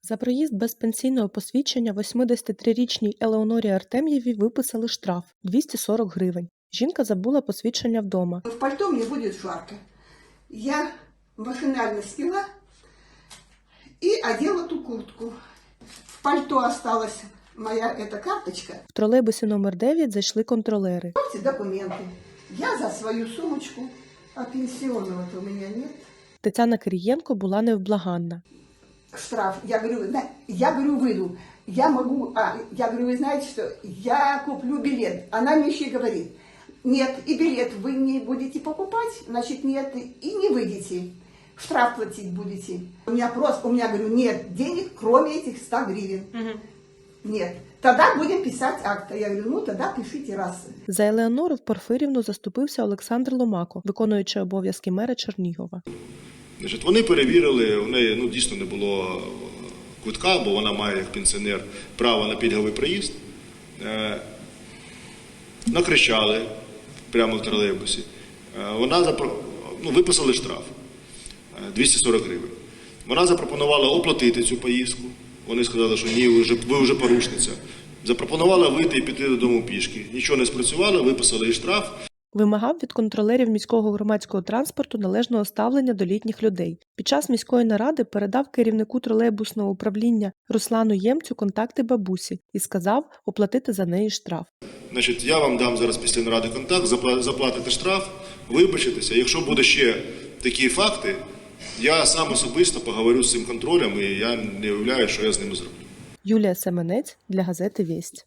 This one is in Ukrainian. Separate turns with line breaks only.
За проїзд без пенсійного посвідчення 83-річній Елеонорі Артем'євій виписали штраф – 240 гривень. Жінка забула посвідчення вдома.
В пальто мне будет жарко. Я машинально сняла и одела ту куртку. В пальто осталась моя эта карточка.
В тролейбусі номер 9 зайшли контролери.
Эти документы. Я за свою сумочку, а пенсионного-то у меня нет.
Тетяна Кирієнко була невблаганна.
Штраф. Я говорю, выйду. Я говорю, вы знаете что, я куплю билет. Она мне еще говорит, нет, и билет вы не будете покупать, значит нет, и не выйдете. Штраф платить будете. У меня говорю, нет денег, кроме этих 100 гривен. Нет. Тогда будем писать акт. Я говорю, ну тогда пишите раз.
За Елеонору Порфирівну заступився Олександр Ломако, виконуючий обов'язки мера Чернігова.
Вони перевірили, у неї дійсно не було квитка, бо вона має як пенсіонер право на пільговий проїзд. Накричали прямо в тролейбусі. Виписали штраф 240 гривень. Вона запропонувала оплатити цю поїздку. Вони сказали, що ні, ви вже порушниця. Запропонувала вийти і піти додому пішки. Нічого не спрацювало, виписали їй штраф.
Вимагав від контролерів міського громадського транспорту належного ставлення до літніх людей. Під час міської наради передав керівнику тролейбусного управління Руслану Ємцю контакти бабусі і сказав оплатити за неї штраф.
Я вам дам зараз після наради контакт, заплатите штраф, вибачитеся. Якщо буде ще такі факти, я сам особисто поговорю з цим контролем і я не уявляю, що я з ними зроблю.
Юлія Семенець для газети «Вість».